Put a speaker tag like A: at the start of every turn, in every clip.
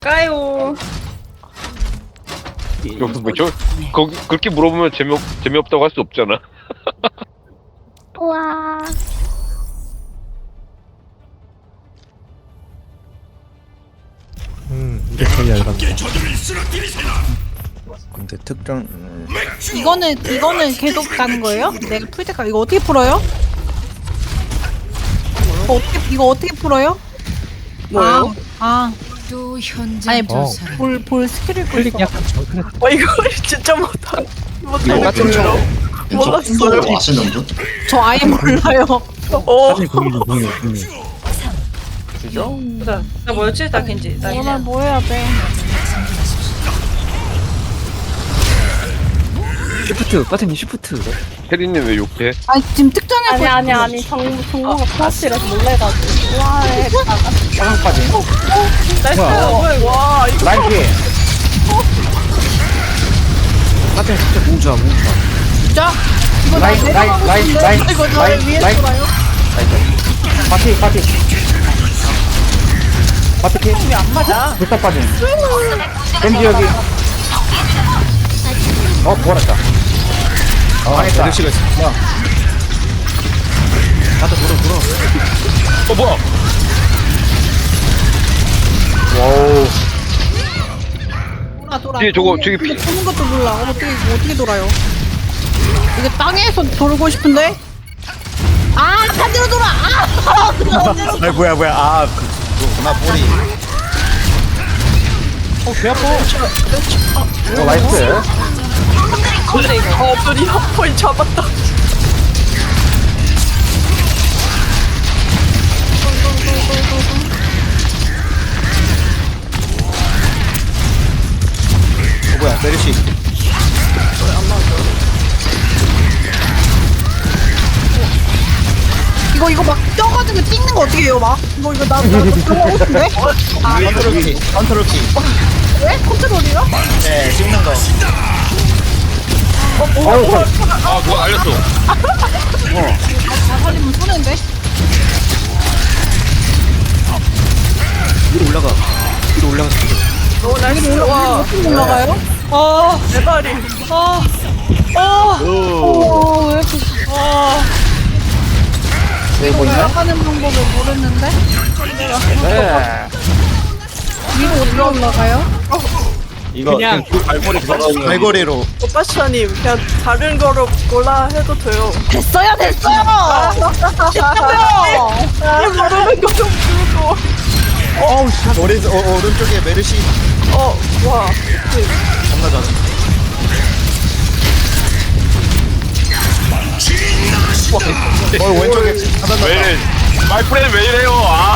A: 까요.
B: 그렇게 물어보면 재미없다고 할 수 없잖아.
C: 우와.
D: 이게 제일 얇았다.
E: 근데 특정
F: 이거는 계속 가는 거예요? 내가 풀 때까지 이거 어떻게 풀어요? 이거 어떻게 풀어요?
A: 뭐요?
G: 또 현장
F: 아니
G: 조사를
F: 볼 스킬을
D: 클릭
F: 끌
D: 약간 저 그래.
A: 이거 진짜 못하.
E: 이거 같은 거
A: 몰랐어요.
H: 아시는 분?
F: 저 아예 몰라요.
D: 사실 공유.
A: 나 뭐였지? 나 겐지. 나
F: 오늘
A: 그냥.
F: 뭐 해야 돼?
D: 시프트, 빠트님 시프트.
B: 혜린님 왜 욕해?
F: 아니 지금 특정해
C: 아니 정보가 플러스라서 놀래가지고. 와,
D: 화강까지.
A: 나이스. 뭐야 이거? 와 이거.
D: 라인 피해. 빠트님 진짜 공주야.
F: 진짜? 이거 나
D: 라인,
F: 내려가고
D: 라인,
F: 싶은데?
D: 라인,
F: 이거 나
D: 라인,
F: 위에
D: 라인.
F: 돌아요?
D: 파티. 파티 피.
F: 왜안 맞아?
D: 불사 빠짐. 겐지 여기. 부활했다. 망했다.
E: 메르시가 있어.
D: 나도 돌아.
B: 뭐야?
D: 와우.
F: 돌아.
B: 뒤에 저거, 저기
F: 근데 도는 것도 몰라. 어떻게 돌아요? 이게 땅에서 돌고 싶은데? 아 반대로 돌아.
E: 아 뭐야 그거구나 꼬리.
D: 배 아파. 나이스.
A: 근데 이거. 둘이 포인 잡았다.
E: 뭐야 메르시.
F: 이거 막 쪄가지고 찍는 거 어떻게 해요 막? 이거 나 들어가고 싶은데?
E: 컨트롤 키.
F: 왜? 컨트롤이요?
E: 네 찍는 거.
B: 아 누가 알렸어?
F: 다 살리면 손해인데?
D: 위로 올라가.
A: 오 나이스. 와.
F: 어떻게 올라가요?
A: 내 발이.
F: 오, 왜 이렇게
D: 네, 뭐 있나?
F: 올라가는 방법을 모르는데?
D: 네.
F: 위로 어떻게 올라가요?
E: 이거
D: 그냥
E: 갈고리로.
A: 오빠샤님 그냥 다른 거로 골라 해도 돼요.
F: 됐어요! 됐어요!
A: 모르는 거좀 부르고.
E: 오른쪽에 메르시.
A: 와.
E: 겁나 잘해. 왼쪽에
B: 왜 이래? 마이프렌드 왜 이래요? 아.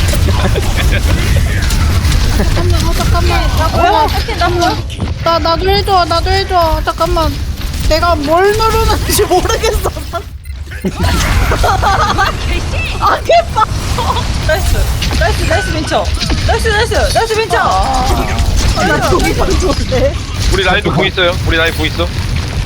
F: 잠깐만. 나도 해줘. 잠깐만. 내가 뭘 누르는지 모르겠어. 아, 개빡!
A: 나이스 민쳐. 나이스 민쳐.
F: 나 저기 좋은데.
B: 우리 라인도 공 있어요? 우리 라인 공 있어?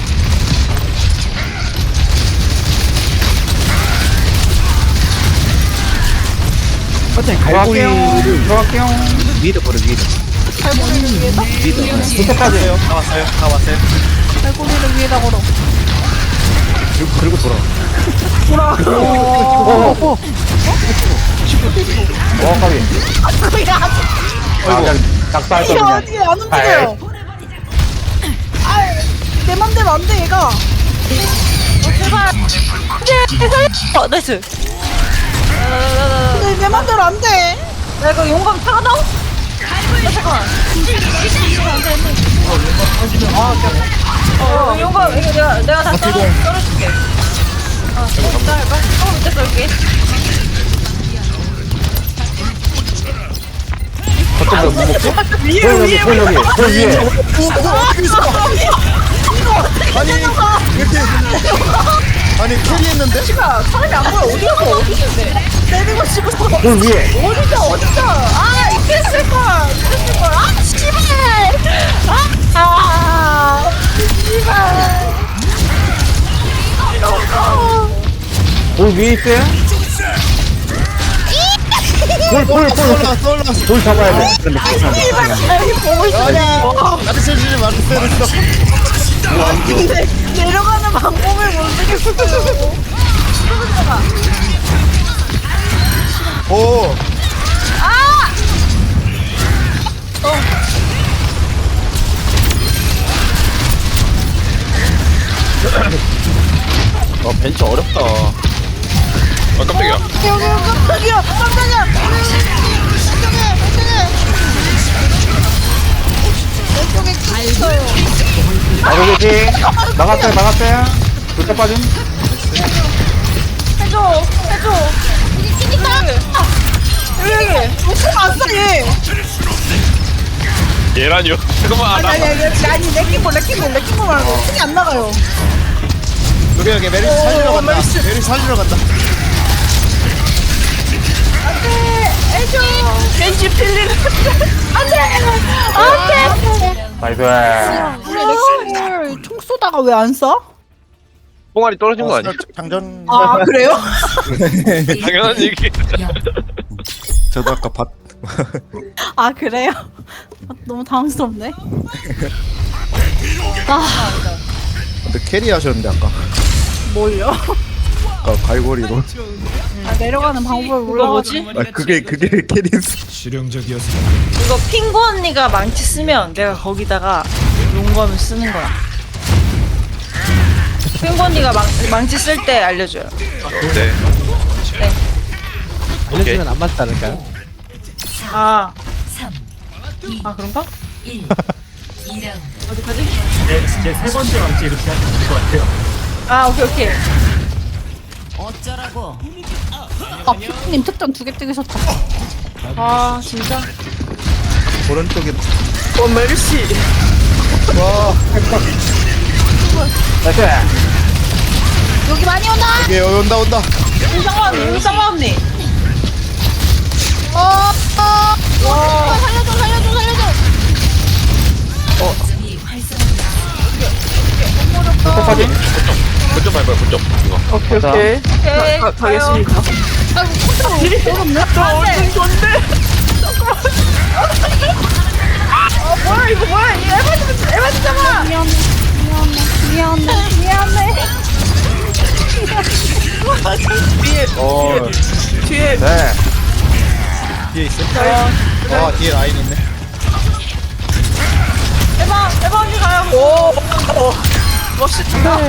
D: 빠트님 갈고리를 들어갈게요. 위에다 버려 위에다.
F: 갈고리를 위에다?
D: 밑에까지.
E: 다 왔어요.
F: 갈고리를 위에다 걸어.
D: 그리고 돌아. 까비. 그냥 낙사할 거
F: 이게
D: 그냥.
F: 어떻게 안 움직여요? 내 맘대로 안 돼, 얘가.
A: 나이스.
F: 근데 내 맘대로 안 돼.
A: 나 이거 용감 타가 나오? 잠깐만. 용감 이거 내가 다 썰어줄게. 썰어봐. 밑에 썰게.
D: 거점도 못 먹고.
A: 위에.
D: 위에.
E: 아니 캐리했는데?
A: 사람이 안 보여. 어디 갔어? 어디 있는데?
F: 내리고 싶어서.
D: 돌 위에.
F: 어디서? 아, 이랬을걸. 아, 씨발. 씨발.
D: 돌 위에 있어요?
E: 올라갔어 올라갔어.
D: 돌 잡아야 돼. 근데
A: 아니 보고 있어.
E: 나한테 세주지 마. 때렸어.
A: 근데 내려가는 방법을 모르겠어요.
E: 오.
D: 벤치 어렵다.
B: 아 깜짝이야.
A: 깜짝이야, 깜짝이야.
D: 나도 계시. 나갔어요. 돌자 빠짐.
A: 해줘. 여기.
F: 왔어 얘.
B: 얘라뇨. 잠깐만.
F: 아니 레킹볼 말고 손이 안 나가요.
E: 여기 메리스 살리러 간다. 메리스 살리러 간다.
A: 해줘. 왠지 필리는. 안돼.
D: 나이스.
F: 우리 레킹볼 총 쏘다가 왜 안 쏴?
B: 뽕알이 떨어진 거 아니야?
E: 장전.
F: 아 그래요?
B: 당연한 얘기.
E: 저도 아까 봤.
F: 아 그래요? 너무 당황스럽네.
E: 근데 캐리 하셨는데 아까.
F: 뭘요?
E: 아까 갈고리로.
F: 아, 내려가는 방법을
A: 이거
F: 몰라가지고.
A: 뭐지?
E: 아 그게 캐리였어.
A: 이거 핑구 언니가 망치 쓰면 내가 거기다가 용검을 쓰는 거야. 핑구 언니가 망치 쓸 때 알려줘요.
B: 네.
D: 알려주면 안 맞지 않을까요?
A: 아 그런가? 어디까지?
H: 제 세 번째 왕치 이렇게 하면 될 것 같아요.
A: 아 오케이.
F: 아 피디님 특전 2개 찍으셨다.
A: 아 진짜?
E: 오른쪽에.
A: 메르시.
E: 와.
D: 나이스.
F: 여기 많이 오나?
E: 여기 온다.
A: 윤상아 언니.
F: 살려줘.
D: 돌자 빠짐.
B: 거점 밟아요. 거점. 이거.
A: 오케이. 가겠습니다. 뭐야 이거 뭐야? 이 에바 진짜마.
F: 미안해.
A: 뒤에
D: 네.
E: 뒤에 있어. 아 뒤에 라인 있네.
A: 에바 언니 가요. 오 멋있다.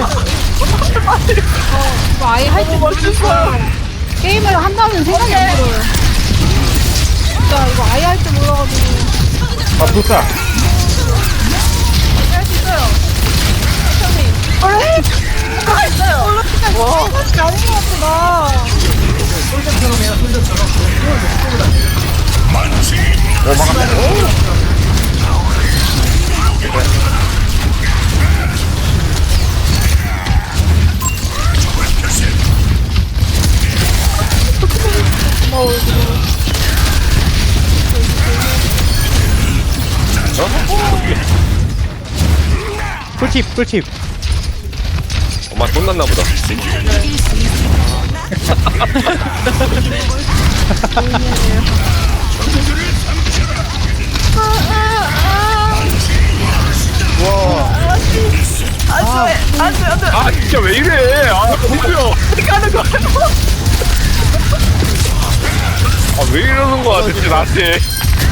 F: 이거 아예 할 줄 모르겠어. 게임을 한다는 생각이 안 들어요. 진짜 이거 아예 할 줄 몰라가지고.
D: 아 불사.
A: 할수 있어요. 천천히. 다 있어요.
F: 와, 아닌 것 같아 나.
D: 꿀팁.
B: 엄마 혼났나 보다.
A: 안돼.
B: 아 진짜 왜 이래? 아 뭐야?
A: 어떻게 하는 거야?
B: 아 왜 이러는 거야 대체 나한테?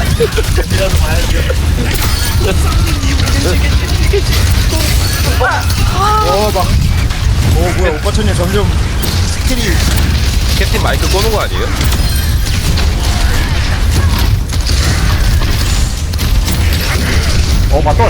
E: 뭐야 오빠 천녀 점점 스킬이.
B: 캡틴 마이크 꺼는 거 아니에요?
D: 맞돌.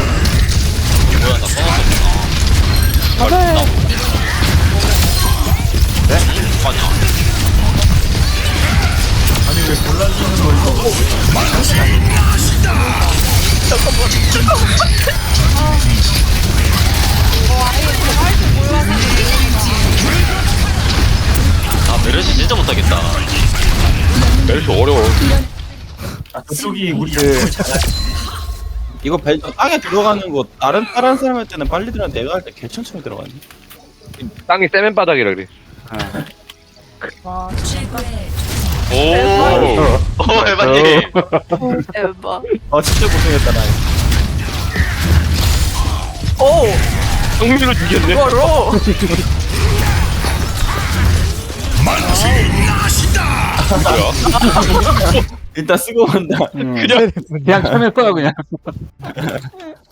I: 아 메르시 진짜 못하겠다.
B: 멜시 어려워.
H: 아, 그쪽이 우리
J: 이거 벨 땅에 들어가는 거 다른 사람 할 때는 빨리 들어가 내가 할 때 개천천히 들어가네.
B: 땅이 세면 바닥이라 그래.
A: 와
I: 오 에바님.
A: 에바.
J: 진짜 고생했다 나.
A: 오,
B: 성민으로 죽였네.
A: 이거로.
B: 뭐야?
J: 일단 쓰고 간다.
D: 그냥 참을 거야 그냥.